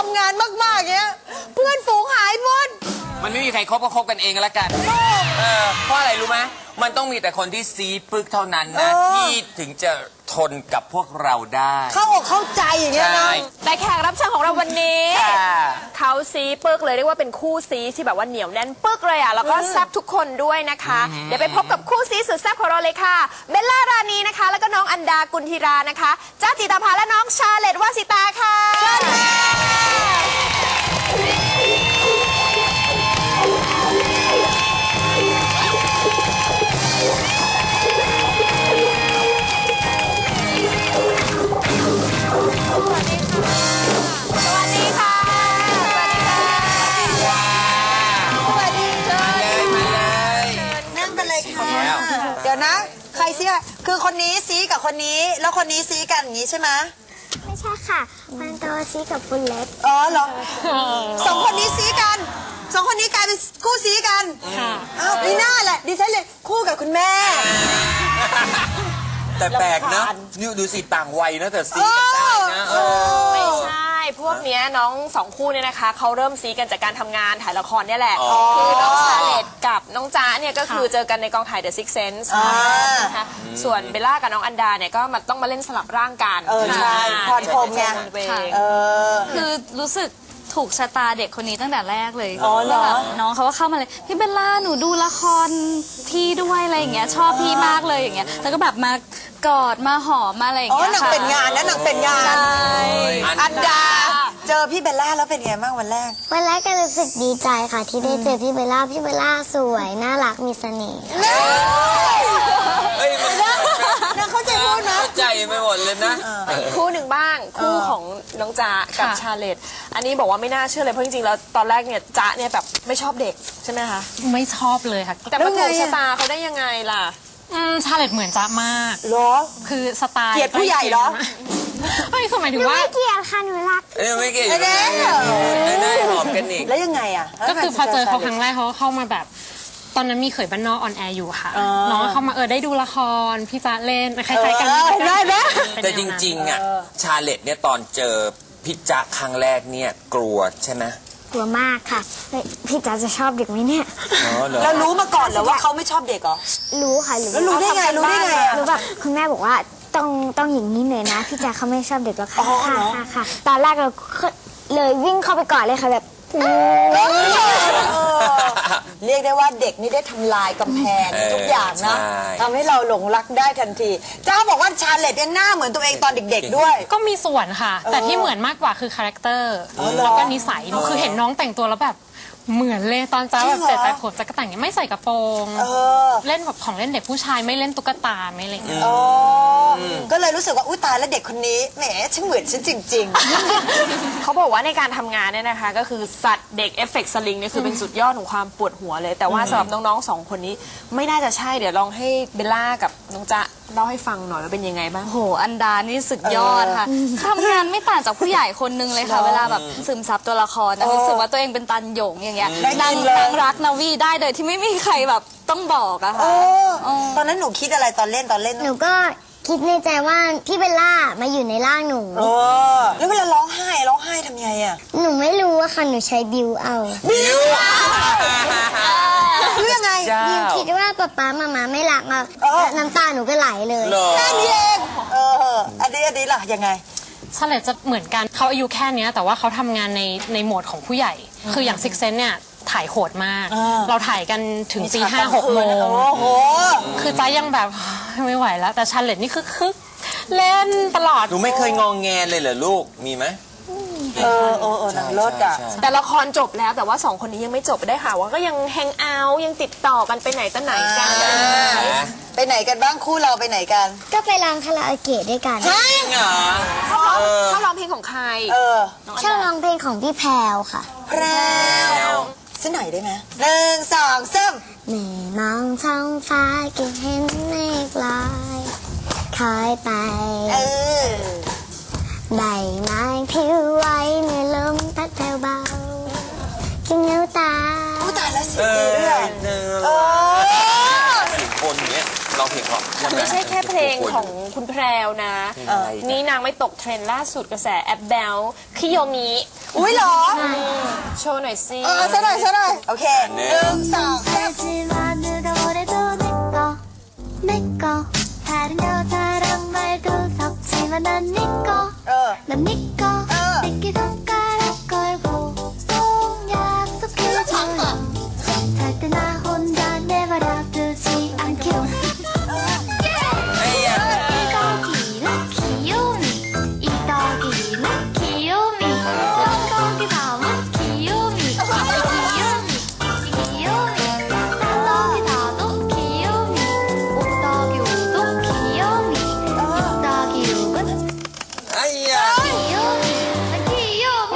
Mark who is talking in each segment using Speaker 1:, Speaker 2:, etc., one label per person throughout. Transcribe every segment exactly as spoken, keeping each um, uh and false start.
Speaker 1: ำงานมากๆเงี้ยเพื่อนฝูงหายหมด
Speaker 2: มันไม่มีใครคบก็คบกันเองแล้วกันเออเพราะอะไรรู้ไหมมันต้องมีแต่คนที่ซีปึกเท่านั้นนะที่ถึงจะทนกับพวกเราได้
Speaker 1: เข้าอกเข้าใจอย่างเงี้ยนะ
Speaker 3: แต่แขกรับเชิญของเราวันนี้เขาซีปึกเลยเรียกว่าเป็นคู่ซีที่แบบว่าเหนียวแน่นปึกเลยอ่ะแล้วก็แซ่บทุกคนด้วยนะคะเดี๋ยวไปพบกับคู่ซีสุดแซ่บของเราเลยค่ะเบลล่ารานีนะคะแล้วก็น้องอันดากุลธีรานะคะจ้าจิตาภาและน้องชาเลตวาสิตาค่ะเชิญค่ะ
Speaker 1: เดี๋ยวนะใครซีคือคนนี้ซีกับคนนี้แล้วคนนี้ซีกันอย่างนี้ใช่ไหม
Speaker 4: ไม่ใช่ค่ะคนโตซีกับคนเล็ก
Speaker 1: อ๋อเหรอสองคนนี้ซีกันสองคนนี้กลายเป็นคู่ซีกันอ้าวพี่หน้าแหละดิฉันเลยคู่กับคุณแม่
Speaker 2: แต่แปลกนะนี่ดูสิต่างวัยนะแต่ซีกันได้นะ
Speaker 3: ไม่ใช่พวกเนี้ยน้องสองคู่เนี่ยนะคะเขาเริ่มซีกันจากการทำงานถ่ายละครเนี่ยแหละคือน้องชาเลตกับน้องจ๊ะเนี่ยก็คือเจอกันในกองถ่าย The Sixth Sense นะคะส่วนเบลล่ากับน้องอันดาเนี่ยก็มาต้องมาเล่นสลับร่างกัน
Speaker 1: เออใช่พรพรมไง
Speaker 5: คือรู้สึกถูกชะตาเด็กคนนี้ตั้งแต่แรกเลย
Speaker 1: อ๋อเหรอ
Speaker 5: น้องเขาก็เข้ามาเลยพี่เบลล่าหนูดูละครพี่ด้วยอะไรอย่างเงี้ยชอบพี่มากเลยอย่างเงี้ยแล้วก็แบบมากอดมาหอมมาอะไรอย่างเงี้ย
Speaker 1: ค่ะอ๋อหนังเป็นงานนะหนังเป็นงานอันดาเจอพี่เบลล่าแล้วเป็นไงบ้างวันแรก
Speaker 4: วันแรกก็รู้สึกดีใจค่ะที่ได้เจอพี่เบลล่าพี่เบลล่าสวยน่ารักมีเสน่ห์
Speaker 2: เฮ้ยมัน
Speaker 1: น่าเข้าใจพูดนะ
Speaker 2: เข้าใจไม่หมดเลยนะ
Speaker 3: คู่หนึ่งบ้างคู่ของน้องจ๊ะกับชาเลตอันนี้บอกว่าไม่น่าเชื่อเลยเพราะจริงๆแล้วตอนแรกเนี่ยจ๊ะเนี่ยแบบไม่ชอบเด็กใช่ไหมคะ
Speaker 6: ไม่ชอบเลยค่ะ
Speaker 3: แต่มาถูกชะตาเขาได้ยังไงล่ะ
Speaker 6: ชาเลตเหมือนจ๊ะมาก
Speaker 1: เหรอ
Speaker 6: คือสไตล์
Speaker 1: เกลียดผู้ใหญ่เหรอ
Speaker 6: ไม่คือหมายถึงว่า
Speaker 4: ไม่เกลียดค่ะหนูรัก
Speaker 2: เอ้ยไม่เกลียดได้ได้หอมกันอีก
Speaker 1: แล้วยังไงอ่ะ
Speaker 6: ก็คือพอเจอเขาครั้งแรกเขาเข้ามาแบบตอนนั้นมีเขยบ้านนอกออนแอร์อยู่ค่ะน้องเข้ามาเออได้ดูละครพี่จ๊ะเล่นคล้ายๆกัน
Speaker 1: ได้ไหม
Speaker 2: แต่จริงๆอ่ะชาเลตเนี่ยตอนเจอพี่จ๊ะครั้งแรกเนี่ยกลัวใช่ไหม
Speaker 4: กลัวมากค่ะพี่จ๊ะจะชอบเด็กไหมเนี่ย
Speaker 1: แล้วรู้มาก่อนเหรอว่าเขาไม่ชอบเด็กเหรอ
Speaker 4: รู้ค่ะ
Speaker 1: แล้วรู้ได้ไงรู้ได้ไง
Speaker 4: รู้แบบคุณแม่บอกว่าต้องต้องอย่างนี้เลยนะพี่จ๊ะเขาไม่ชอบเด็กหรอกค่ะค่ะค่ะตอนแรกเราเลยวิ่งเข้าไปก่อนเลยค่ะแบบ
Speaker 1: เรียกได้ว่าเด็กนี่ได้ทำลายกำแพงทุกอย่างนะทำให้เราหลงรักได้ทันทีเจ้าบอกว่าชาเลตยังหน้าเหมือนตัวเองตอนเด็กๆด้วย
Speaker 6: ก็มีส่วนค่ะแต่ที่เหมือนมากกว่าคือคาแรคเตอร์แล้วก็นิสัยคือเห็นน้องแต่งตัวแล้วแบบเหมือนเลยตอนจ้าแบบเจ็ดแปดขวบจะกระแต่งยังไม่ใส่กระโปรงเล่นแบบของเล่นเด็กผู้ชายไม่เล่นตุ๊กตาไม่อะไรอย่างเงี้ย
Speaker 1: ก็เลยรู้สึกว่าอุ้ยตายแล้วเด็กคนนี้แหมช่างเหมือนฉันจริง
Speaker 3: ๆเขาบอกว่าในการทำงานเนี่ยนะคะก็คือสัตว์เด็กเอฟเฟกต์สลิงเนี่ยคือเป็นสุดยอดของความปวดหัวเลยแต่ว่าสำหรับน้องๆสองคนนี้ไม่น่าจะใช่เดี๋ยวลองให้เบลล่ากับน้องจ๊ะเล่าให้ฟังหน่อยว่าเป็นยังไงบ้าง
Speaker 5: โหอันดานี่สุดยอดค่ะทำงานไม่ต่างจากผู้ใหญ่คนนึงเลยค่ะเวลาแบบซึมซับตัวละครนะรู้สึกว่าตัวเองเป็นตันหยงอย่างเงี้ยนางนางรักนาวีได้โดยที่ไม่มีใครแบบต้องบอกอะค่ะ
Speaker 1: ตอนนั้นหนูคิดอะไรตอนเล่นตอนเล่น
Speaker 4: หนูก็คิดในใจว่าพี่เบลล่ามาอยู่ในร่างหนู
Speaker 1: แล้วเวลาร้องไห้ร้องไห้ทำไงอะ
Speaker 4: หนูไม่รู้อะค่ะหนูใช้บิวเอา
Speaker 1: บิวรู้ยังไง
Speaker 4: บิวคิดว่าป๊าป๊ามามาไม่รักอะน้ำตาหนูก็ไหลเลย
Speaker 1: แค่นี้เองเอออันนี้อันนี้ล่ะยังไง
Speaker 6: ชาเลตจะเหมือนกันเขาอายุแค่นี้แต่ว่าเขาทำงานในในโหมดของผู้ใหญ่คืออย่างซิกเซนเนี่ยถ่ายโหดมากเราถ่ายกันถึงตีห้าหกโมงคือใจยังแบบไม่ไหวแล้วแต่ชาเลตนี่คือคึกเล่นตลอด
Speaker 2: หนูไม่เคยงองแงเลยเหรอลูกมีไหม
Speaker 1: เออเออเออหนังรถอ่ะ
Speaker 3: แต่ละครจบแล้วแต่ว่าสองคนนี้ยังไม่จบได้ค่ะว่าก็ยังแฮงเอาท์ยังติดต่อกันไปไหนต่อไหนกัน
Speaker 1: ไปไหนกันบ้างคู่เราไปไหนกัน
Speaker 4: ก็ไปร้องคาราโอเกะด้วยกัน
Speaker 1: ใช่
Speaker 2: เหรอ
Speaker 3: ชอบร้องเพลงของใคร
Speaker 1: เออ
Speaker 4: ชอบร้องเพลงของพี่แพรวค่ะ
Speaker 1: แพรวสักหน่อยได้ไหมหนึ่งสองสาม
Speaker 4: แม่มองท้องฟ้าก็เห็นเมฆลอยคอยไป
Speaker 1: เออ
Speaker 4: ใบไม้ผิวไหวเมื่อลมพัดเบาๆกินเนื้อตา
Speaker 1: ตายแล้วสิเรื่อง
Speaker 2: เออสิคนเนี้ยร้องเพลงเพราะ
Speaker 3: ไม่ใช่แค่เพลงของคุณแพรวนะ
Speaker 2: เออ
Speaker 3: นี่นางไม่ตกเทรนด์ล่าสุดกระแสแอปแบลคิโยมิ
Speaker 1: อุ้ยเหรอ
Speaker 3: โชว์หน่อยสิ
Speaker 1: เออซะหน่อยซะหน่อยโอเคหนึ่งสองสาม
Speaker 4: 하지만 누가 뭐래도 내꺼 내꺼 다른 여자랑 말도 섞지만 난 니꺼
Speaker 1: เออ
Speaker 4: 난 니꺼
Speaker 1: 어.
Speaker 4: 새끼 손가락 걸고 꼭 약속해줘요 절대 나 혼자 내버려두지 않기로
Speaker 2: ไอ้ยะ
Speaker 4: 이 더기는 귀요미 이 더기는 귀요미 한 거기 다음은 귀요미 이 귀요미 이 귀요미 한 더기 다도 귀요미 오 더기 오도 귀요미 육 더기 육은
Speaker 2: ไอ้ยะ
Speaker 4: 귀요미 난 귀요미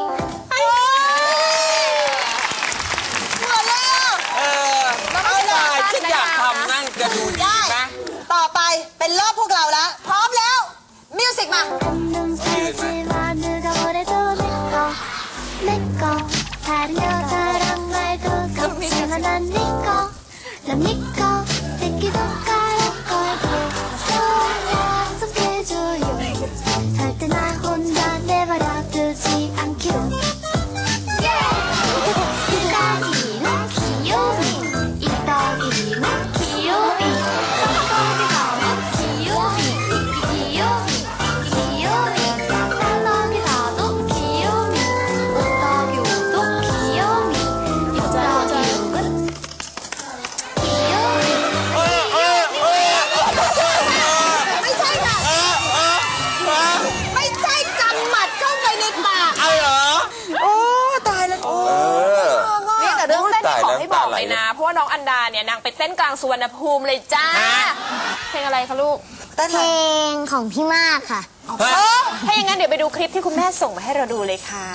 Speaker 1: เหมือนเลยอ่ะ
Speaker 2: เออเอาล่ะฉันอยากทำนั่งจะดูดีไหม
Speaker 1: ต่อไปเป็นรอบพวกเราละพร้อมแล้วมิวสิกมา
Speaker 4: 한눈 살지만 누가 뭐래도 내꺼 내꺼 다른 여자랑 말도 섞지만 난 니꺼 난 니꺼 새끼 손가락 걸고 꼭 약속해줘요 절대 나 혼자 내버려두지 않기로 이 더기는 귀요미 이 더기는 귀요미 한 거기 다음은 귀요미 이 귀요미 이 귀요미 한 더기 다도 귀요미 오 더기 오도 귀요미 육 더기 육은 귀요미
Speaker 2: เออเออเออ
Speaker 1: ไม่ใช่ค่ะ
Speaker 2: เออเออเออ
Speaker 1: ไม่ใช่กำหมัดเข้าไปในปาก
Speaker 2: เอาเหรอ
Speaker 1: โอ้ตายแล้วโอ้
Speaker 2: เออ
Speaker 3: นี่แต่เรื่องเต้น
Speaker 2: ตาย
Speaker 3: ขอ
Speaker 2: แล้ว
Speaker 3: ให้บอก
Speaker 2: ตาไหล
Speaker 3: เลยนะ เพราะว่าน้องอันดาเนี่ยนางไปเต้นกลางสุวรรณภูมิเลยจ้า
Speaker 2: ฮะ
Speaker 3: เพลงอะไรคะลูก
Speaker 1: เต้น
Speaker 4: เพลงของพี่มากค่ะ
Speaker 2: ฮะ
Speaker 3: ถ้าอย่างนั้นเดี๋ยวไปดูคลิปที่คุณแม่ส่งมาให้เราดูเลยค่ะ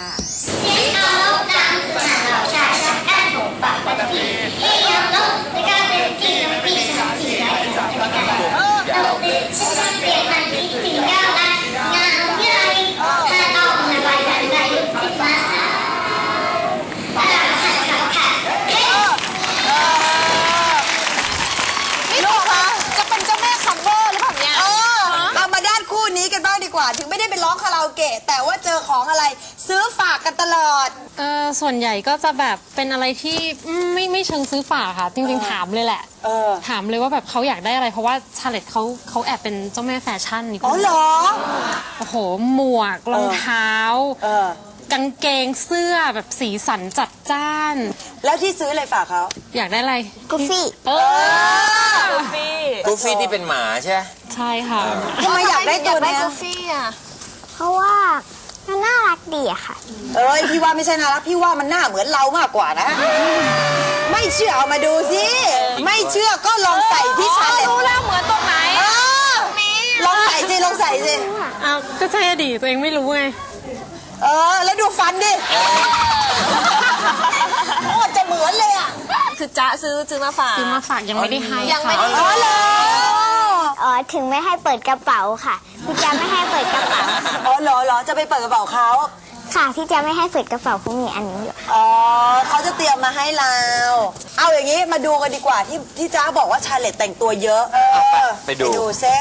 Speaker 1: นี่ลูกคะ
Speaker 3: จะเป็นเจ้าแม่คัมเบอร์หรือเปล่าเนี่ย
Speaker 1: เออเรามาด้านคู่นี้กันบ้างดีกว่า ถึงไม่ได้ไปร้องคาราโอเกะแต่ว่าเจอของอะไร ซื้อฝากกันตลอด
Speaker 6: เออส่วนใหญ่ก็จะแบบเป็นอะไรที่อืมไม่ไม่เชิงซื้อฝากค่ะ จริงๆถามเลยแหละ
Speaker 1: เออ
Speaker 6: ถามเลยว่าแบบเขาอยากได้อะไรเพราะว่าชาเลตเขาเขาแอบเป็นเจ้าแม่แฟชั่นนี่
Speaker 1: อ๋อเหรอ
Speaker 6: โอ้โหหมวกรองเท้า
Speaker 1: เออ
Speaker 6: กางเกงเสื้อแบบสีสันจัดจ้าน
Speaker 1: แล้วที่ซื้ออะไรฝากเขา
Speaker 6: อยากได้อะไร
Speaker 4: กูฟี่
Speaker 6: เออ
Speaker 3: กูฟี่
Speaker 2: กูฟี่ที่เป็นหมาใช่ไหม
Speaker 6: ใช่ค่ะ
Speaker 1: ทำไมอยากได้ตัวเนี้ย
Speaker 3: กูฟี่อ่ะ
Speaker 4: เพราะว่ามันน่ารักดีอะค่ะ
Speaker 1: เอ้ยพี่ว่าไม่ใช่นะรักพี่ว่ามันหน้าเหมือนเรามากกว่านะ ไม่เชื่อเอามาดูสิ ไม่เชื่อก็ลองใส่ที่ชาเลน
Speaker 3: รู้แล้วเหมือนตรงไหน
Speaker 1: เออลองใส่สิลองใส่สิ
Speaker 6: อ้าวก็ใช่อดีตตัวเองไม่รู้ไง
Speaker 1: เออ แล้วดูฟันดิโอ้จะเหมือนเลยอ่ะ
Speaker 3: คือจ๊ะซื้อซื้อมาฝาก
Speaker 6: ซื้อมาฝากยังไม่ได้ให้
Speaker 3: ยังไม่
Speaker 6: ค่ะ
Speaker 3: ได้
Speaker 1: อ๋อเหรอ
Speaker 4: อ๋อ ถึงไม่ให้เปิดกระเป๋าค่ะ พี่จะไม่ให้เปิดกระเป๋า
Speaker 1: อ๋อเหรอเหรอจะไปเปิดกระเป๋าเขา
Speaker 4: ค่ะ พี่จะไม่ให้เปิดกระเป๋าเพราะมีอันนี้อยู่
Speaker 1: อ๋อเขาจะเตรียมมาให้เรา เอาอย่างนี้มาดูกันดีกว่าที่ที่จ้าบอกว่าชาเลตแต่งตัวเยอะ เออ
Speaker 2: ไปดู
Speaker 1: ไปดูเซ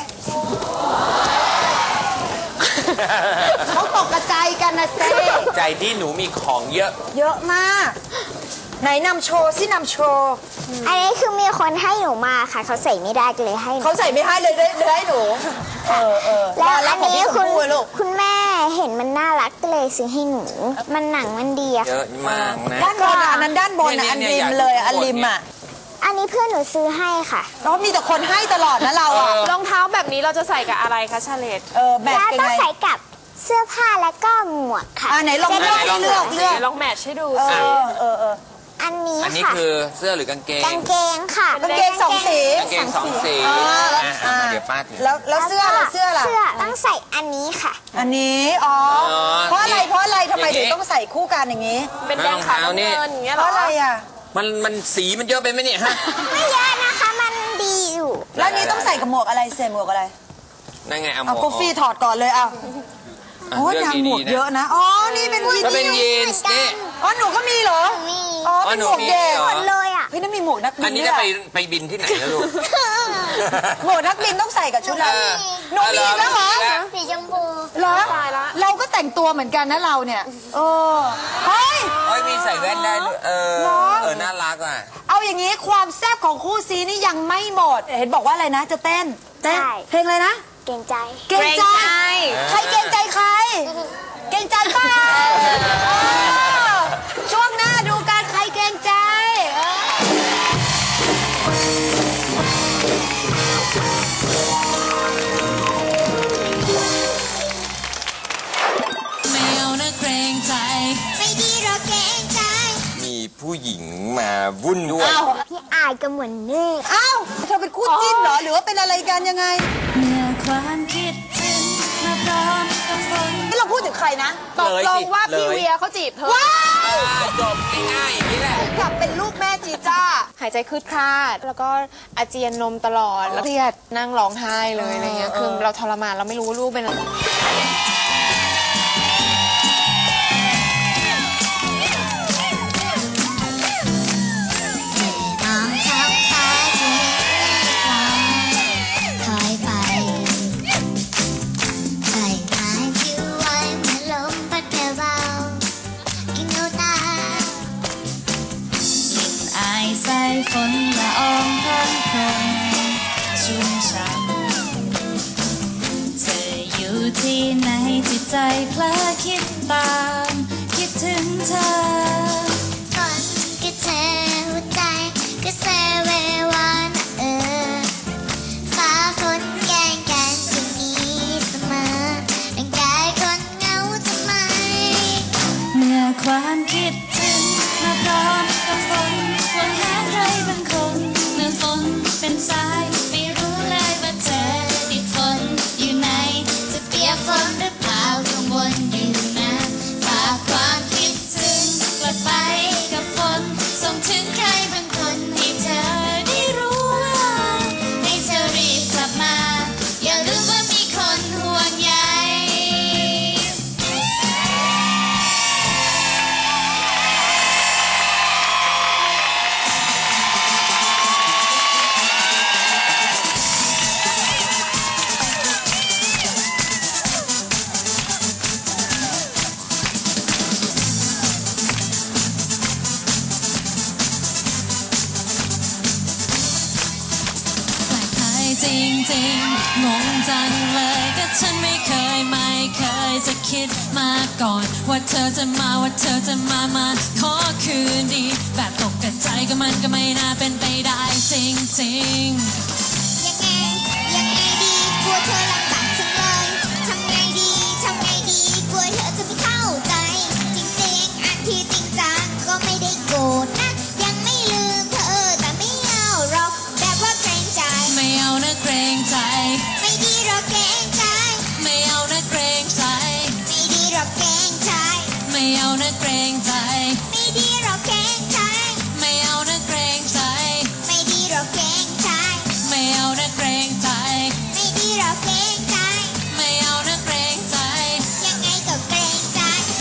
Speaker 1: เขาตกกระจายกันนะเซ
Speaker 2: ใจที่หนูมีของเยอะ
Speaker 1: เยอะมาก ไหนนำโชว์สินำโชว์
Speaker 4: อันนี้คือมีคนให้หนูมาค่ะ เขาใส่ไม่ได้ก็เลยให้หนู
Speaker 1: เขาใส่ไม่ให้เลยเลยเลยให้หนู เออเออ
Speaker 4: แล้ว
Speaker 1: น่ารั
Speaker 4: อั
Speaker 1: ก
Speaker 4: น
Speaker 1: ของ
Speaker 4: นี้
Speaker 1: พี่ช
Speaker 4: คุ
Speaker 1: ม
Speaker 4: ณ
Speaker 1: พู่ลูก
Speaker 4: คุณแม่เห็นมันน่ารักก็เลยซื้อให้หนู มันหนังมันดีอะ
Speaker 2: เย
Speaker 4: ค่ะ
Speaker 2: อะมากนะ
Speaker 1: ด้านบนอ่ะอันนั้นด้านบนอ่ะ
Speaker 2: เนี่
Speaker 1: อั
Speaker 2: ย
Speaker 1: น
Speaker 2: เนี่ย
Speaker 1: ริม
Speaker 2: อยาก
Speaker 1: เลย
Speaker 2: ดู
Speaker 1: อ่ะอัน
Speaker 2: หมด
Speaker 1: ริม
Speaker 2: เนี่ย
Speaker 1: อ่ะ
Speaker 4: อันนี้เพื่อนหนูซื้อให้ค่ะ
Speaker 1: แล้วมีแต่คนให้ตลอดนะเราอ่ะ
Speaker 3: รองเท้าแบบนี้เราจะใส่กับอะไรคะชาเลต
Speaker 1: เออแบต
Speaker 4: แล้ว
Speaker 1: เป็น
Speaker 4: ต้อง
Speaker 1: ไง
Speaker 4: ใส่กับเสื้อผ้าแล้วก็หมวกค่ะ
Speaker 1: อ่าไหนลอง
Speaker 4: จะ
Speaker 1: เลื
Speaker 4: ได้
Speaker 1: อกเลือกเลือก
Speaker 3: ลองแมทช์ให้ดู
Speaker 1: เอ
Speaker 3: สิ
Speaker 1: อเออเออ
Speaker 4: อันนี้
Speaker 2: อันนี้
Speaker 4: ค่ะ
Speaker 2: คือเสื้อหรือกางเกง
Speaker 4: กางเกงค่ะ
Speaker 1: กางเกงสองสี
Speaker 2: กางเกงสองสี
Speaker 1: อ่า
Speaker 2: อ่ะเอามาเดี๋ยวป้าถือ
Speaker 1: แล้วแล้วเสื้อล่ะเสื้อล่ะ
Speaker 4: เสื้อต้องใส่อันนี้ค่ะ
Speaker 1: อันนี้อ๋อ
Speaker 2: อ๋อ
Speaker 1: เพราะอะไรเพราะอะไรทำไม
Speaker 2: อย่างนี้
Speaker 1: ถึงต้องใส่คู่กันอย่างนี้
Speaker 3: เป็นแดงขาวน้ำเงินอย่างเงี้ย
Speaker 1: เพ
Speaker 3: เหรอ
Speaker 1: ราะอะไรอ่ะ
Speaker 2: มันมันสีมันเยอะไปไหมเนี่ยฮะ
Speaker 4: ไม่เยอะนะคะ มันดีอยู่
Speaker 1: แล้วอันนี้ต้องใส่กับหมวกอะไรเสียหมวกอะไร
Speaker 2: นั่นไงเอาหม
Speaker 1: เอา
Speaker 2: วก
Speaker 1: กูฟี่ถอดก่อนเลยเอา
Speaker 2: อ่ะ
Speaker 1: โอ้ย
Speaker 2: เลือก
Speaker 1: นางหมวก
Speaker 2: ดีๆนะ
Speaker 1: เยอะนะอ๋อนี่เป็นยีน
Speaker 2: ก็เป็นยีนส์นี่
Speaker 1: อ๋อหนูก็มีเหรอ
Speaker 4: มี
Speaker 1: อ๋อเป็นหมวกเด็ก
Speaker 2: อ๋อหนูมีเหรอ
Speaker 4: เลยอ่ะ
Speaker 1: พี่นั่นมีหมวกนักบิ
Speaker 2: อัน
Speaker 1: น
Speaker 2: นี้
Speaker 1: ด้ว
Speaker 2: จะ
Speaker 1: ย
Speaker 2: ไป
Speaker 1: อะ
Speaker 2: ไปบินที่ไหนนะลูก
Speaker 1: หมวกนักบินต้องใส่กับชุดเราหนูมีอีกแล้วเหรอ
Speaker 4: สีชมพู
Speaker 1: เหรอเราก็แต่งตัวเหมือนกันนะเราเนี่ยเออเฮ้ย
Speaker 2: เฮ้ยมีใส่แว่นได้ด้วยเออ
Speaker 1: เหรอ
Speaker 2: เออน่ารักอ่ะ
Speaker 1: เอาอย่างนี้ความแซ่บของคู่ซีนี่ยังไม่หมด เห็นบอกว่าอะไรนะจะเต้นเต้นเพลงอะไรนะ
Speaker 4: เก่งใจ
Speaker 1: เกรงใจ ใครเกรงใจใคร เกรงใจเปล่าเออช่วงหน้าดูการใครเกรงใจเออ
Speaker 7: ไม่เอานะเกรงใจ
Speaker 4: ไม่ดีหรอกเก่งใจ
Speaker 2: มีผู้หญิงมาวุ่นด้วย
Speaker 1: อ้าว
Speaker 4: พี่อายก็เหมือนนี่
Speaker 1: อ้าวเธอเป็นคู่จิ้นเหรอ หรือว่าเป็นอะไรกันยังไง
Speaker 7: เมื่อความคิดถึงมาพร้อมกับฝน
Speaker 1: นี่เราพูดถึงใครนะ
Speaker 3: ตกลงว่าพี่
Speaker 2: เลย
Speaker 3: เวียเขาจีบเธอ
Speaker 1: ว้าว
Speaker 2: อ่าจบง่ายๆอย่างนี้แหละ
Speaker 1: กลับเป็นลูกแม่จีจ้า
Speaker 8: หายใจคืดคลาด แล้วก็อาเจียนนมตลอด แล้วเครียดนั่งร้องไห้เลยอะไรเงี้ย คือเราทรมานเราไม่รู้ว่าลูกเป็นอะไร
Speaker 4: มองท้องฟ้าที่ลอยถอยไปใส่หายที่ไว้เมื่อลมพัดเบาๆกินนูตา
Speaker 7: อายใส่ฝนละอองพันพรมชุ่มช่ำเธออยู่ที่ไหนจิตใจเพลอคิดตาม คิดถึงเธอ
Speaker 4: ก่อนก็เธอหัวใจก็เซเววานเออฟ้าฝนแกล้งกันจะมีเสมอร่างกายคนเหงาทำไม
Speaker 7: เมื่อความคิดถึงมาพร้อมกับฝนหวังหาใครบางคน เมื่อฝนเป็นสายไม่รู้เลยว่าเธอติดฝนอยู่ไหน จะเปียกฝนหรือเปล่ากังวลอยู่นะฝากความคิดถึงกลับไปกับฝนส่งถึงใครบางคนให้เธอได้รู้ว่าให้เธอรีบกลับมา อย่าลืมว่ามีคนห่วงใย แปลกใจจริงๆ งงจังเลยก็ฉันไม่เคยไม่เคยจะคิดมาก่อน ว่าเธอจะมาว่าเธอจะมามาขอคืนดี แบบตกกระใจก็มันก็ไม่น่าเป็นไปได้จริงๆ
Speaker 4: ยังไง ยังไงดีกลัวเธอลำบากจังเลยทำไงดี ทำไงดีกลัวเธอจะไม่เข้าใจ จริงๆ อันที่จริงจังก็ไม่ได้โกรธนะ ยังไม่ลืมเธอแต่ไม่เอาหรอกแบบว่าเกรงใจ
Speaker 7: ไม่เอานะเกรงใจ
Speaker 4: ไม่ดีหรอกเกรงใจ
Speaker 7: ไม่เอานะเกรงใจ
Speaker 4: ไม่ดีหรอกเกรงใจ
Speaker 7: ไม่เอานะเกรงใจ
Speaker 4: ไม่ดีหรอกเกรงใจ
Speaker 7: ไม่เอานะเกรงใจ
Speaker 4: ไม่ดีหรอกเกรงใจ
Speaker 7: ไม่เอานะเกรงใจ
Speaker 4: ไม่ดีหรอกเกรงใจ
Speaker 7: ไม่เอานะเกรงใจ
Speaker 4: ยังไงก็เกรงใจ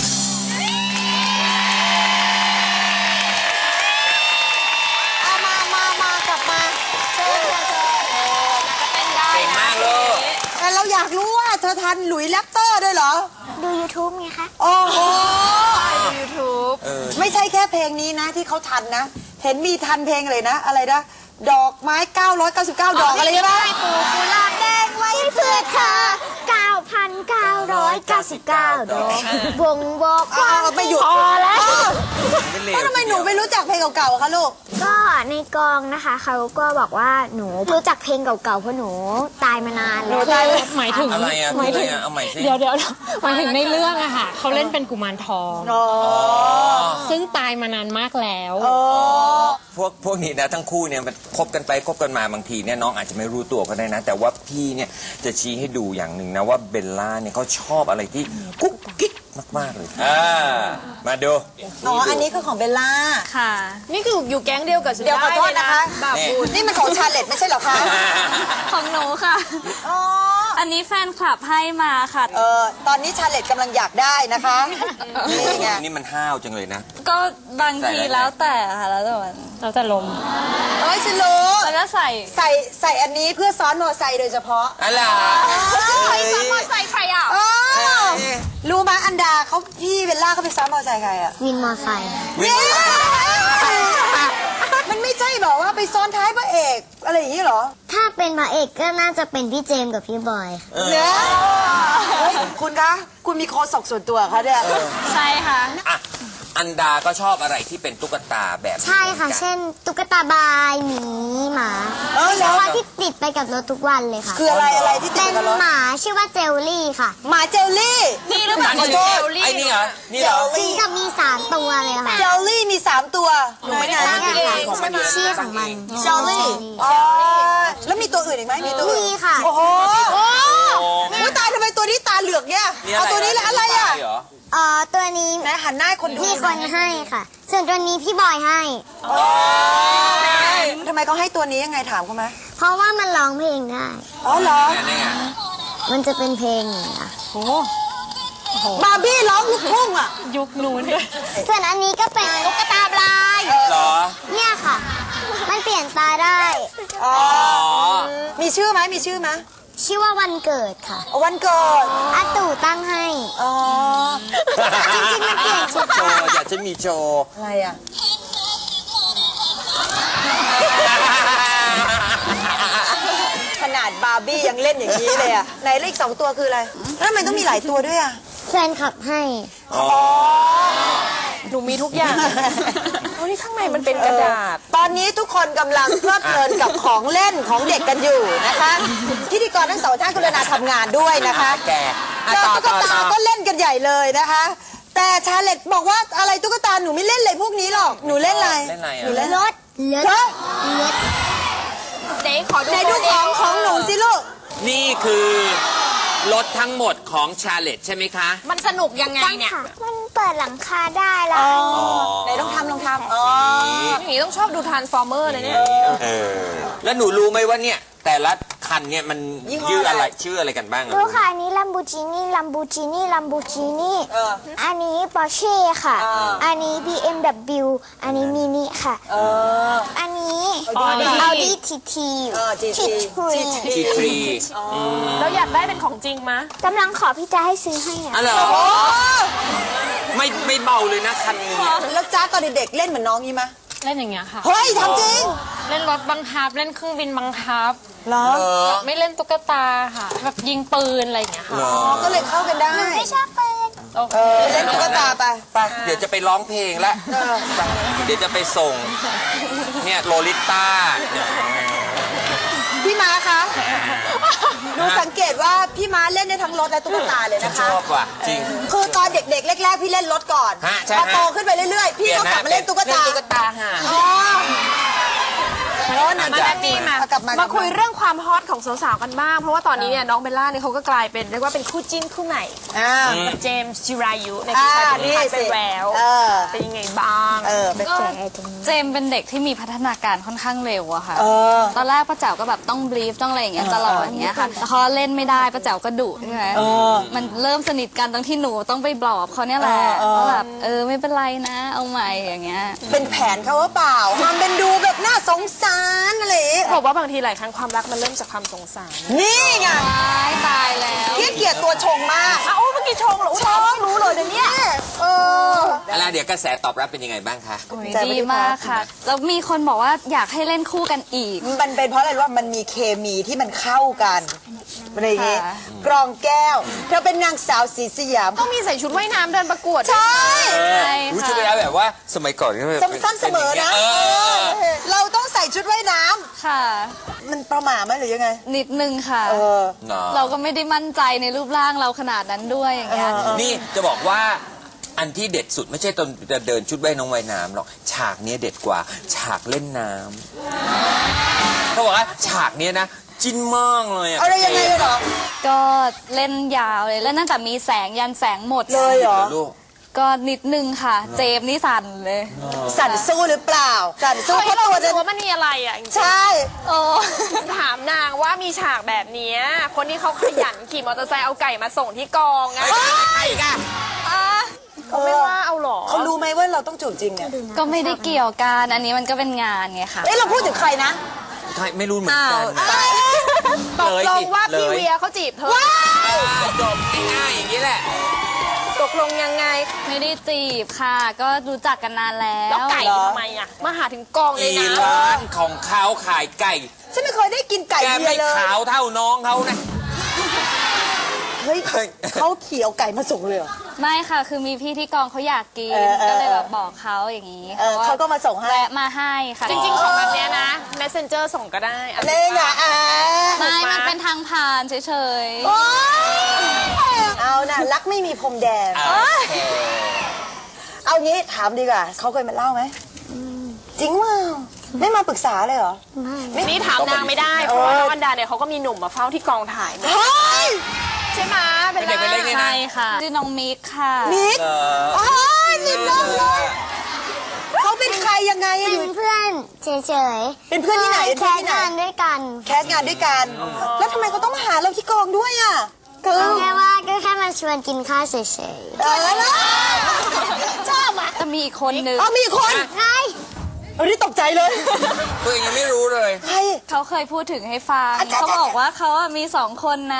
Speaker 1: เอามามามากลับมาเชิญค่ะเชิญ
Speaker 2: เก่งมากลูก
Speaker 1: แต่เราอยากรู้ว่าเธอทันหลุยส์แรปเตอร์ด้วยเหรอ
Speaker 4: ดู YouTube ไงคะ
Speaker 1: โอ้โห
Speaker 3: ยูทูบ
Speaker 1: ไม่ใช่แค่เพลงนี้นะที่เขาทันนะ เห็นมีทันเพลงอะไรนะ อะไรนะ ดอกไม้ เก้าร้อยเก้าสิบเก้า ดอกอะไรใช่ไหม
Speaker 4: ปลูกกุหลาบแดงไว้เพื่อเธอ เก้าพันเก้าร้อยเก้าสิบเก้า ดอกบ่งบอก
Speaker 1: เอา
Speaker 4: ว่า
Speaker 1: เอาไปหยุด
Speaker 4: พอแล้ว
Speaker 2: ไม่เล
Speaker 1: แล้ว วทำไมหนูไม่รู้จักเพลงเก่าๆอะคะลูก
Speaker 4: ก็ในกองนะคะเขาก็บอกว่าหนูรู้จักเพลงเก่าๆเพราะหนูตายมานานแล้ว
Speaker 6: หมายถึง
Speaker 2: อะไรอ่ะ
Speaker 6: หมายถึง
Speaker 2: อะไรอ่ะเอาใหม่สิ
Speaker 6: เดี๋ยวเดี๋ยวหมายถึงในเรื่องอะค่ะเขาเล่นเป็นกุมารทอง ซึ่งตายมานานมากแล้ว
Speaker 2: พวกพวกนี้นะทั้งคู่เนี่ยมันคบกันไปคบกันมาบางทีเนี่ยน้องอาจจะไม่รู้ตัวก็ได้นะ แต่ว่าพี่เนี่ยจะชี้ให้ดูอย่างหนึ่งนะว่าเบลล่าเนี่ยเขาชอบอะไรที่กุ๊กกิ๊กมากๆเลยอ่ามาดู
Speaker 1: อ๋อ อันนี้คือของเบลล่า
Speaker 5: ค่ะ
Speaker 3: นี่คืออยู่แก๊งเดียวกับฉัน
Speaker 1: เดี๋ยวขอโทษ
Speaker 3: ได้เลย
Speaker 1: นะคะ
Speaker 3: แบบบุญ
Speaker 1: นี่มันของชาเลตไม่ใช่เหรอคะ
Speaker 5: ของหนูค่ะ
Speaker 1: อ๋อ
Speaker 5: อันนี้แฟนคลับให้มาค่ะ
Speaker 1: เออตอนนี้ชาเลตกำลังอยากได้นะคะนี่ไง
Speaker 2: นี่มันห้าวจังเลยนะ
Speaker 5: ก็บางทีแล้วแต่ค่ะแล้วแต่วัน
Speaker 6: แล้วแต่ลม
Speaker 1: เอ้ยฉันรู้
Speaker 5: แล้วก็ใส่
Speaker 1: ใส่ใส่อันนี้เพื่อซ้อนมอไซค์โดยเฉพาะ
Speaker 2: อะไร
Speaker 3: ใครซ้อนมอเตอร์ไซค์ใครอ่ะ
Speaker 1: อ้าวรู้ไหมอันดาเขาพี่เบลล่าเขาไปซ้อนมอไซค์ใครอะ
Speaker 4: วินมอไซค์
Speaker 2: วิ่ง
Speaker 1: มันไม่ใช่บอกว่าไปซ้อนท้ายพระเอกอะไรอย่างนี้เหรอ
Speaker 4: ถ้าเป็นพระเอกก็น่าจะเป็นพี่เจมส์กับพี่บอยค่ะ
Speaker 1: เนี่ยเฮ้ยคุณคะ คุณมีโคศกส่วนตัวเขาเนี่ย
Speaker 5: ใช่ค่ะ
Speaker 2: อ่ะอันดาก็ชอบอะไรที่เป็นตุ๊กตาแบบนี้
Speaker 4: ใช่ค่ะ
Speaker 2: หมือนกัน
Speaker 4: เช่น ตุ๊กตาบายหมีหมา
Speaker 1: เออ
Speaker 4: เฉ
Speaker 1: แล้ว
Speaker 4: พาะที่ติดไปกับรถทุกวันเลยค่ะ
Speaker 1: คืออะไรอะไรที่ติ
Speaker 4: เป็
Speaker 1: ด
Speaker 4: น
Speaker 1: กับรถ
Speaker 4: หมาชื่อว่าเจลลี่ค่ะ
Speaker 1: หมาเจลลี่
Speaker 3: นี่หรือเปล่า
Speaker 2: อันนี้
Speaker 3: เจลลี่
Speaker 2: ไอ้นี่เหรอ นี่เหรอ
Speaker 4: จริงกับมีสามตัวเลยค่ะ
Speaker 1: เจลลี่มีสามตัวไหนไหน
Speaker 2: มันเป็นชื่อของมันอยู่
Speaker 4: ชื่อของมัน
Speaker 1: เจลลี่อ๋อแล้วมีตัวอื่นอีกไหมมีตัวอื่น
Speaker 4: มีค่ะ
Speaker 1: โอ้โหโอ้ยตายทำไมตัวนี้ตาเหลือกเนี่ย
Speaker 2: นี่
Speaker 1: เอาตัวนี้แล้วอะไรอ่ะ
Speaker 2: เหรอ
Speaker 4: เอ่อตัวนี้
Speaker 1: ไหนหันหน้าให้คนดู
Speaker 4: มีคนให้ค่ะ ส่วนตัวนี้พี่บอยให้
Speaker 1: ทำไมเขาให้ตัวนี้ยังไงถามเขาไหม
Speaker 4: เพราะว่ามันร้องเพลงได้
Speaker 1: อ๋อเหรอ
Speaker 2: นี่ไง
Speaker 4: มันจะเป็นเพลงอย่างเงี้ย
Speaker 1: บาร์บี้ร้องลูกทุ่งอ่ะ
Speaker 6: ยุคนู้น
Speaker 4: ส่วนอันนี้ก็เป็นตุ๊กตาลาย
Speaker 2: เหรอ
Speaker 4: เนี่ยค่ะ มันเปลี่ยนตาได้
Speaker 1: อ๋อ
Speaker 2: อ๋อ
Speaker 1: มีชื่อไหมมีชื่อไหม
Speaker 4: ชื่อว่าวันเกิดค่ะ
Speaker 1: วันเกิด
Speaker 4: อาตู่ตั้งให้
Speaker 1: อ๋อ
Speaker 4: จริงๆมันเปลี่ยนชุด
Speaker 2: โชว์อยากจะมีโชว์
Speaker 1: อะไรอ่ะ ขนาดบาร์บี้ยังเล่นอย่างนี้เลยอ่ะ ไหนเลขสองตัวคืออะไร แล้วทำไมต้องมีหลายตัวด้วยอ่ะ
Speaker 4: แฟนคลับให้
Speaker 2: อ๋อ
Speaker 3: หนูมีทุกอย่างโอ้นี่ข้างในมันเป็นกระดาษ
Speaker 1: ตอนนี้ทุกคนกำลังเพลิดเพลินกับของเล่นของเด็กกันอยู่นะคะพิธีกรทั้งสองท่านกรุณาทำงานด้วยนะคะ
Speaker 2: แกอ่ะ
Speaker 1: เจอ
Speaker 2: ต่อ
Speaker 1: ตุ๊ก
Speaker 2: ต่อ
Speaker 1: ตา
Speaker 2: ต่อ
Speaker 1: ก็เล่นกันใหญ่เลยนะคะ แต่ชาเลตบอกว่าอะไรตุ๊กตาหนูไม่เล่นเลยพวกนี้หรอกหนูเล่นอะไร
Speaker 2: เล่นอะไร
Speaker 1: หนู
Speaker 2: อ่ะ
Speaker 1: เล่น
Speaker 4: รถรถ
Speaker 1: รถ
Speaker 4: รถ
Speaker 3: เจ๊ขอดู
Speaker 1: ไหนดูของของหนูสิลูก
Speaker 2: นี่คือรถทั้งหมดของชาเลตใช่ไหมคะ
Speaker 3: มันสนุกยังไงเนี่ย
Speaker 4: มันเปิดหลังคาได้แล้ว
Speaker 1: ไหนลองทำลองทำอ๋อ
Speaker 3: อย่างนี้ต้องชอบดูทรานส์ฟอร์เมอร์เลยเนี่ย
Speaker 2: เออ แล้วหนูรู้ไหมว่าเนี่ย แต่ละคันเนี่ยมัน
Speaker 1: ยี่ห้อ
Speaker 2: ชื่ออะไร
Speaker 1: อะไร
Speaker 2: ชื่ออะไรกันบ้างอะ
Speaker 4: ดูค่ะอันนี้ลัมโบกินี่ลัมโบกินี่ลัมโบกินี่
Speaker 1: เออ
Speaker 4: อันนี้ปอร์เช่ค่ะ
Speaker 1: อ่า
Speaker 4: อันนี้ บี เอ็ม ดับเบิลยู อันนี้มินิค่ะ
Speaker 1: เออ
Speaker 4: อันนี้
Speaker 1: Audi
Speaker 4: Audi ที ที
Speaker 1: เออ จี
Speaker 4: ที
Speaker 1: ที
Speaker 4: ทรี
Speaker 2: ทีทรี
Speaker 3: แล้วอยากได้เป็นของจริงมะ
Speaker 4: กำลังขอพี่จะให้ซื้อให้อ่ะ
Speaker 2: อ๋อเหรอ
Speaker 1: โอ้
Speaker 2: ไม่ไม่เบาเลยนะคันนี้เนี่ย
Speaker 1: แล้วจ้าตอนเด็กๆเล่นเหมือนน้องนี้ไหม
Speaker 6: เล่นอย่างเงี้ยค่ะ
Speaker 1: เฮ้ยทำจริง
Speaker 6: เล่นรถบังคับ เล่นเครื่องบินบังคับ
Speaker 1: เหรอ
Speaker 2: เออ
Speaker 6: ไม่เล่นตุ๊กตาค่ะ แบบยิงปืนอะไรอย่างเงี้ยค่ะ
Speaker 2: เหรอ
Speaker 1: ก็เลยเข้ากันได้
Speaker 4: ไม่ชอบปืน
Speaker 6: โอเค
Speaker 1: เออเล่นตุ๊กตาไป
Speaker 2: ไปเดี๋ยวจะไปร้องเพลงแล้ว
Speaker 1: เออ
Speaker 2: ไปเดี๋ยวจะไปส่ง เนี่ยโลลิต้าเนี่ย
Speaker 1: พี่ม้าคะดูสังเกตว่าพี่ม้าเล่นได้ทั้งรถและตุ๊กตาเลย
Speaker 2: ฉัน
Speaker 1: นะ
Speaker 2: ช
Speaker 1: คะ
Speaker 2: อบว่ะจริง
Speaker 1: คือตอนเด็กๆแรกๆพี่เล่นรถก่อน
Speaker 2: ฮะใช่
Speaker 1: พอ
Speaker 2: ฮะ
Speaker 1: โตขึ้นไปเรื่อยๆ พี่ก็กลับมาเล่นตุ๊กตา
Speaker 2: เล่นตุ๊กตาฮะ
Speaker 1: อ๋อโอ้นั่น
Speaker 3: มา
Speaker 1: จ้ะ
Speaker 3: แม่นี่มา
Speaker 1: เอากลับมา
Speaker 3: มาคุยเรื่องความฮอตของสาวๆกันบ้าง เพราะว่าตอนนี้เนี่ยน้องเบลล่าเนี่ยเขาก็กลายเป็นเรียกว่าเป็นคู่จิ้นคู่ใหม่
Speaker 1: อ่า
Speaker 3: กับเจมส์จิรายุใน
Speaker 1: อ่า
Speaker 3: ที่ชาย
Speaker 1: นี่
Speaker 3: เป็น
Speaker 1: สิ
Speaker 3: ไปแล้ว
Speaker 1: เออ
Speaker 3: เป็นยังไงบ้าง
Speaker 1: เออเป็น
Speaker 5: ก็เจมส์เป็นเด็กที่มีพัฒนาการค่อนข้างเร็วอะค่ะ
Speaker 1: เออ
Speaker 5: ตอนแรกป้าแจ๋วก็แบบต้องบรีฟต้องอะไรอย่างเงี้ยตลอดอย่างเงี้ยค่ะแต่เขาเล่นไม่ได้ป้าแจ๋วก็ดุใช่ไหม
Speaker 1: เออ
Speaker 5: มันเริ่มสนิทกันตรงที่หนูต้องไปบลอบเขาเนี่ยแหละ
Speaker 1: เออเออ
Speaker 5: ว่าแบบเออไม่เป็นไรนะ เอาใหม่อย่างเงี้ย
Speaker 1: เป็นแผนเขาหรือเปล่าทำเป็นดูแบบน่าสงสารอะไรอย่างงี้
Speaker 3: บอกว่าบางทีหลายครั้งความรักมันเริ่มจากความสงสาร
Speaker 1: นี่ไง
Speaker 5: ตายตายแล้ว
Speaker 1: พี่เกลียดตัวชงมาก
Speaker 3: อ้าวเมื่อกี้ชงเหรอชงรู้เลยเดี๋ยวนี้
Speaker 1: เออ
Speaker 2: อะไรเดี๋ยวกระแสตอบรับเป็นยังไงบ้างคะ
Speaker 5: ดีมากค่ะ แล้วมีคนบอกว่าอยากให้เล่นคู่กันอีก
Speaker 1: มันเป็นเพราะอะไรรู้ว่ามันมีเคมีที่มันเข้ากันอะไรอย่างงี้
Speaker 5: ค่ะ
Speaker 1: กรองแก้วเธอเป็นนางสาวสีสยาม
Speaker 3: ต้องมีใส่ชุดว่ายน้ำเดินประกวด
Speaker 1: ใช่
Speaker 5: ใช่
Speaker 2: รู้
Speaker 5: ค่ะ
Speaker 2: ชุดไปแล้วแบบว่าสมัยก่อนก็แบบ
Speaker 1: สั้นเสมอนะ
Speaker 2: เออ
Speaker 1: เออเราต้องใส่ชุดว่ายน้ำ
Speaker 5: ค่ะ
Speaker 1: มันประหม่าไหมหรือยังไง
Speaker 5: นิดนึงค่ะ
Speaker 1: เออ
Speaker 2: เนาะ
Speaker 5: เราก็ไม่ได้มั่นใจในรูปร่างเราขนาดนั้นด้วยอย่างเงี้ย
Speaker 2: นี่จะบอกว่าอันที่เด็ดสุดไม่ใช่ตอนจะเดินชุดว่ายน้องว่ายน้ำหรอกฉากเนี้ยเด็ดกว่า ฉากเล่นน้ำเขาบอกว่าฉากเนี้ยนะจิ้นมากเลยอะ
Speaker 1: อะไรยังไงเหรอ
Speaker 5: ก็เล่นยาวเลยแล้วตั้งแต่มีแสงยันแสงหมด
Speaker 1: เลยเหรอ
Speaker 2: ลูก
Speaker 5: ก็นิดนึงค่ะ เจมส์นี่สั่นเลย
Speaker 1: สั่นสู้หรือเปล่า สั่นสู้
Speaker 3: เฮ้ย
Speaker 1: เพราะ
Speaker 3: เรา
Speaker 1: ตัว
Speaker 3: รู้สึ
Speaker 1: จะ
Speaker 3: กว่ามันมีอะไรอ่ะจริงๆ
Speaker 1: ใช่
Speaker 5: โอ้
Speaker 3: ถามนางว่ามีฉากแบบเนี้ยคนที่เขาขยันขี่มอเตอร์ไซค์เอาไก่มาส่งที่กองอะ
Speaker 2: ไอ้กะ
Speaker 3: เขาไม่ว่าเอาหรอ
Speaker 1: เขารู้ไหมว่าเราต้องจูบจริงเนี่ย
Speaker 5: ก็ไม่ได้เกี่ยวกันอันนี้มันก็เป็นงานไงค่ะ
Speaker 1: เอ้ยเราพูดถึงใครนะ
Speaker 2: ใช่ไม่รู้เหมือนกัน
Speaker 3: ตกลงว่าพี่
Speaker 2: เลย
Speaker 3: เวียเขาจีบเธอ
Speaker 2: จบง่ายๆอย่างนี้แหละ
Speaker 3: ตกลงยังไง
Speaker 5: ไม่ได้จีบค่ะ ก็รู้จักกันนานแล้ว
Speaker 3: แล้วไก่
Speaker 1: เหรอ
Speaker 3: ทำไมอ่ะมาหาถึงกองเลย
Speaker 2: อี
Speaker 3: นะ
Speaker 2: ร้านของเขาขายไก่
Speaker 1: ฉันไม่เคยได้กินไก่
Speaker 2: แก
Speaker 1: เบีย
Speaker 2: ไม่
Speaker 1: ร์เลย
Speaker 2: ขาวเท่าน้องเขานะ
Speaker 1: เฮ้ย
Speaker 2: เฮ้ย
Speaker 1: เขาเขียวไก่มาส่งเลยเหรอ
Speaker 5: ไม่ค่ะ คือมีพี่ที่กองเขาอยากกิน
Speaker 1: เออเออ
Speaker 5: ก็เลยแบบบอกเขาอย่างนี้
Speaker 1: เออเขาก็มาส่งให้
Speaker 5: แวะมาให้ค่ะ
Speaker 3: จริงๆของแบบเนี้ยนะ messenger ส่งก็ได้อัน
Speaker 1: เล่นอ่ะอ่ะ
Speaker 5: ไม่ มันเป็นทางผ่านเฉย
Speaker 1: โอ๊ยเอาน่ะรักไม่มีพรมแดน
Speaker 2: โอเค
Speaker 1: เอางี้ถามดีกว่าเขาเคยมาเล่าไหมจริงว่าไม่มาปรึกษาเลยเหรอ
Speaker 3: นี่ถามนางไม่ได้ เพราะว่าน้องอันดาเนี่ยเขาก็มีหนุ่มมาเฝ้าที่กองถ่ายหมด
Speaker 1: เฮ้ย
Speaker 3: ใช่ไหมเป็น
Speaker 2: เด็กไปเล่น
Speaker 3: ไร
Speaker 2: นี่
Speaker 5: ๆ
Speaker 2: นะ
Speaker 5: ใช่ค่ะชื่อน้องมิกค่ะ
Speaker 1: มิก
Speaker 2: เออ
Speaker 1: โอ้ยนิดนึงเลยเขาเป็นใครยังไงอะอยู่
Speaker 4: เป็นเพื่อนเฉยๆ
Speaker 1: เป็นเพื่อนที่ไหนเป็น
Speaker 4: แค
Speaker 1: เพื่อนที่ไหน
Speaker 4: สงานด้วยกัน
Speaker 1: แคสงานด้วยกัน แล้วทำไมเขาต้องมาหาเราที่กองด้วยอ่ะคือ
Speaker 4: ก็แค่ว่าก็แค่มาชวนกินข้าวเฉย
Speaker 1: เออแล้วชอบอ่ะ
Speaker 5: จะมีอีกคนนึง
Speaker 1: อ๋อมีอีกคน
Speaker 4: ๆใช่
Speaker 1: เออนี่ตกใจเลย
Speaker 2: ตัวเองยังไม่รู้เลย
Speaker 1: ใคร
Speaker 5: เขาเคยพูดถึงให้ฟัง
Speaker 1: อาจารย์
Speaker 5: เขาบอกว่าเขาอะมีสองคนนะ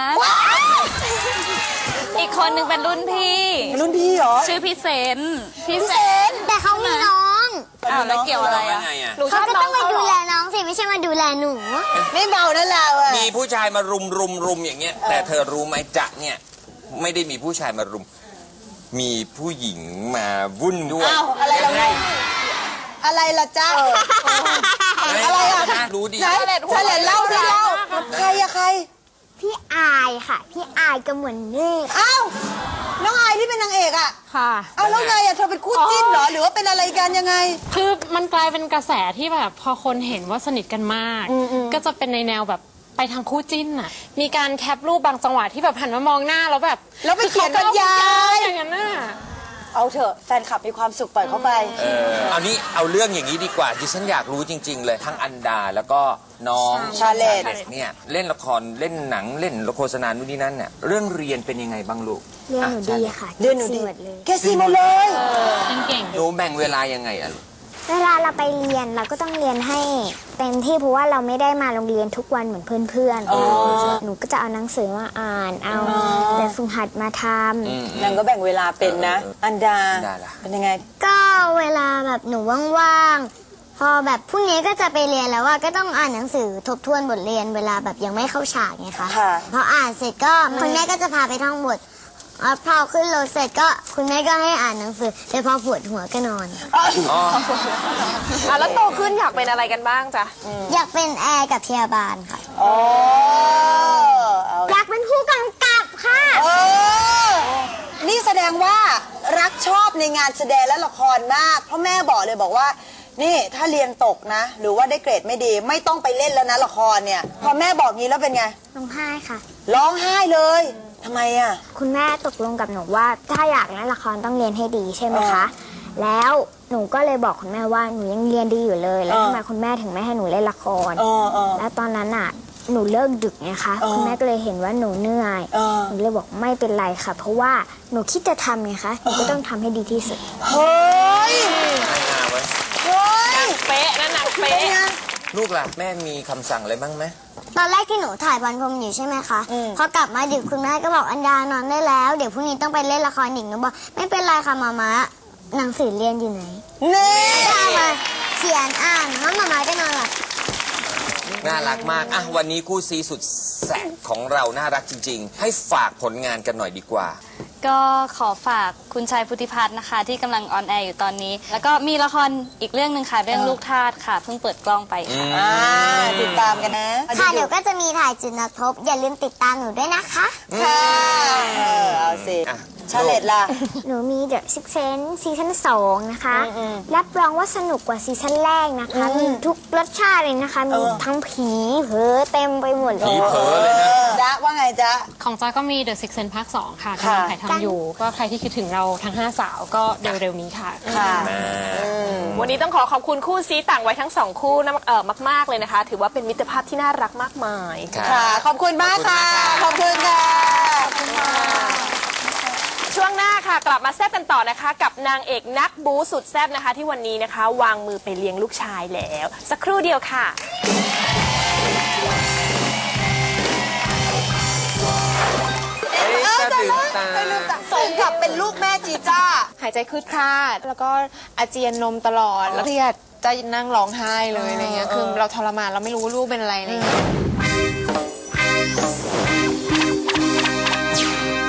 Speaker 5: อีกคนนึงเป็นรุ่นพี่
Speaker 1: รุ่นพี่เหรอ
Speaker 5: ชื่อพี่เซนพี่เซน
Speaker 4: แต่เขามีน้อง
Speaker 5: อ้าวแล้วเกี่ยวอะไรอะ
Speaker 2: ไงอ่ะ
Speaker 3: หนูช
Speaker 4: เขา
Speaker 3: อบ
Speaker 4: ก็
Speaker 3: น้
Speaker 4: ต้
Speaker 3: อ
Speaker 4: อง งมา
Speaker 3: เขาเหร
Speaker 4: ดู
Speaker 3: อ
Speaker 4: แลน้องสิไม่ใช่มาดูแลหนู
Speaker 1: ไม่เบานะเราอ่ะ
Speaker 2: มีผู้ชายมารุมรุมรุมอย่างเงี้ย แต่เธอรู้ไหมจ๊ะเนี่ย ไม่ได้มีผู้ชายมารุม มีผู้หญิงมาวุ่นด้วย
Speaker 1: อ้าวอะไรเรา
Speaker 2: ยังไง
Speaker 1: อะไรล่ะจ๊ะ
Speaker 2: อะไรอ่ะนะรู้ดี
Speaker 1: ไหนเฉลยเล่าสิเล่าใครอะใคร
Speaker 4: พี่อายค่ะ พี่อายก็เหมือนเมฆ
Speaker 1: อ้าวน้องอายที่เป็นนางเอกอะ
Speaker 6: ค่ะ
Speaker 1: อ้าวแล้วไงอะเธอเป็นคู่จิ้นเหรอหรือว่าเป็นอะไรกันยังไง
Speaker 6: คือมันกลายเป็นกระแสที่แบบพอคนเห็นว่าสนิทกันมาก ก็จะเป็นในแนวแบบไปทางคู่จิ้นน่ะ มีการแคปรูปบางจังหวะที่แบบหันมามองหน้าแล้วแบบ
Speaker 1: แล้วไปเขียนบรรยาย
Speaker 6: อย่างนั้นน่ะ
Speaker 1: เอาเถอะแฟนคลับมีความสุขปล่อยเขาไป
Speaker 2: เออเอานี้เอาเรื่องอย่างนี้ดีกว่าดิฉันอยากรู้จริง ๆ เลยทั้งอันดาแล้วก็น้อง
Speaker 1: ชาเลต
Speaker 2: เนี่ยเล่นละครเล่นหนังเล่นละโฆษณานู่นนี่นั่นเนี่ยเรื่องเรียนเป็นยังไงบ้างลูก
Speaker 4: เรียนหนูดีค่ะ
Speaker 1: เดือนหนูดี
Speaker 4: หมดเลย
Speaker 1: แกซีหมดเลย
Speaker 6: เก่ง
Speaker 2: หนูแบ่งเวลายังไงอะลูก
Speaker 4: เวลาเราไปเรียนเราก็ต้องเรียนให้เต็มที่เพราะว่าเราไม่ได้มาโรงเรียนทุกวันเหมือนเพื่อนๆหนูก็จะเอาหนังสือมาอ่าน เอาแบบฝึกหัดมาทำ
Speaker 1: นางก็แบ่งเวลาเป็นนะ อันดา
Speaker 2: อันดาล่ะ
Speaker 1: เป็นยังไง
Speaker 4: ก็เวลาแบบหนูว่างๆ พอแบบพรุ่งนี้ก็จะไปเรียนแล้วว่าก็ต้องอ่านหนังสือทบทวนบทเรียนเวลาแบบยังไม่เข้าฉากไงคะ
Speaker 1: ค่ะ
Speaker 4: พออ่านเสร็จก็คุณแม่ก็จะพาไปท่องบทอ่ะพอขึ้นรถเสร็จก็คุณแม่ก็ให้อ่านหนังสือแต่พอปวดหัวก็นอน
Speaker 2: อ๋อ
Speaker 3: อ่ะแล้วโตขึ้นอยากเป็นอะไรกันบ้างจ๊ะ
Speaker 4: อยากเป็นแอร์กับพยาบาลค่ะ
Speaker 1: อ๋อเอา
Speaker 4: อยากเป็นผู้กำกับค่ะ
Speaker 1: เออนี่แสดงว่ารักชอบในงานแสดงและละครมาก เพราะแม่บอกเลยบอกว่า นี่ถ้าเรียนตกนะ หรือว่าได้เกรดไม่ดีไม่ต้องไปเล่นแล้วนะละครเนี่ย พอแม่บอกงี้แล้วเป็นไง
Speaker 4: ร้องไห้ค่ะ
Speaker 1: ร้องไห้เลยทำไมอ่ะ
Speaker 4: คุณแม่ตกลงกับหนูว่าถ้าอยากเล่นละครต้องเรียนให้ดีใช่ไหมคะ แล้วหนูก็เลยบอกคุณแม่ว่าหนูยังเรียนดีอยู่เลย แล้ว
Speaker 1: เออ
Speaker 4: ทำไมคุณแม่ถึงไม่ให้หนูเล่นละคร
Speaker 1: เออเออ
Speaker 4: แล้วตอนนั้นอ่ะหนูเลิกดึกไงคะ
Speaker 1: เออ
Speaker 4: คุณแม่ก็เลยเห็นว่าหนูเหนื่อย
Speaker 1: เออ
Speaker 4: หนูเลยบอกไม่เป็นไรค่ะ เพราะว่าหนูคิดจะทำไงคะหนูก็ต้องทำให้ดีที่สุด
Speaker 1: เฮ้ย
Speaker 2: ไม่น่าเว้ย
Speaker 1: เฮ้ย
Speaker 3: เป๊ะนั่นน่ะ
Speaker 1: เป็
Speaker 3: เป๊ะ
Speaker 1: นไง
Speaker 2: ลูกล่ะแม่มีคำสั่งอะไรบ้างไหม
Speaker 4: ตอนแรกที่หนูถ่ายบอลพรมอยู่ใช่ไหมคะ
Speaker 1: อืม
Speaker 4: พอกลับมาดึกคุณแม่ก็บอกอันดานอนได้แล้ว เดี๋ยวพรุ่งนี้ต้องไปเล่นละครอีกหนูบอกไม่เป็นไรค่ะมาม่าหนังสือเรียนอยู่ไหน
Speaker 1: นี่
Speaker 4: ก็เอามาเขียนอ่านแล้วมาม่าก็นอนหลับ
Speaker 2: น่ารักมาก อ่ะ วันนี้คู่ซีสุดแสบของเราน่ารักจริง ๆ ให้ฝากผลงานกันหน่อยดีกว่า
Speaker 5: ก็ขอฝากคุณชายพุทธิพัฒน์นะคะ ที่กำลังออนแอร์อยู่ตอนนี้ แล้วก็มีละครอีกเรื่องหนึ่งค่ะ เรื่องลูกทาสค่ะ เพิ่งเปิดกล้องไปค่ะ
Speaker 1: อ่าติดตามกันนะ
Speaker 4: ค่ะเดี๋ยวก็จะมีถ่ายจุดนักทบอย่าลืมติดตามหนูด้วยนะคะ
Speaker 1: ค่ะเออเอาสิ
Speaker 2: อ่ะ
Speaker 1: ชาเลตล่ะ
Speaker 4: หนูมี The Sixth Sense ซีซั่นสองนะคะ รับรองว่าสนุกกว่าซีซั่นแรกนะคะ มีทุกรสชาติเลยนะคะ มีทั้งผีเผลอเต็มไปหมดเลย
Speaker 2: ผีเผลอเลยนะ
Speaker 1: จ๊ะว่าไงจ๊ะ
Speaker 6: ของจอยก็มี The Sixth Sense ภาคสองค่ะกำลังถ่ายทำอยู่ ก็ใครที่คิดถึงเราทั้งห้าสาวก็เร็วๆนี้ค่ะ
Speaker 1: ค่ะ
Speaker 3: วันนี้ต้องขอขอบคุณคู่ซีต่างวัยทั้งสองคู่นะเออมากๆเลยนะคะ ถือว่าเป็นมิตรภาพที่น่ารักมากมาย
Speaker 1: ค่ะ ขอบคุณมากค่ะ ขอบคุณค่ะ
Speaker 3: ช่วงหน้าค่ะกลับมาแซ่บกันต่อนะคะ กับนางเอกนักบู๊สุดแซ่บนะคะ ที่วันนี้นะคะ วางมือไปเลี้ยงลูกชายแล้ว สักครู่เดียวค่ะ
Speaker 2: จะตื่นตา
Speaker 1: สมกับเป็นลูกแม่จีจ้า
Speaker 8: หายใจคืดคลาดแล้วก็อาเจียนนมตลอดแล้วเครียดจะนั่งร้องไห้เลยอะไรเงี้ยคือเราทรมานเราไม่รู้ว่าลูกเป็นอะไรอะไรเงี้ย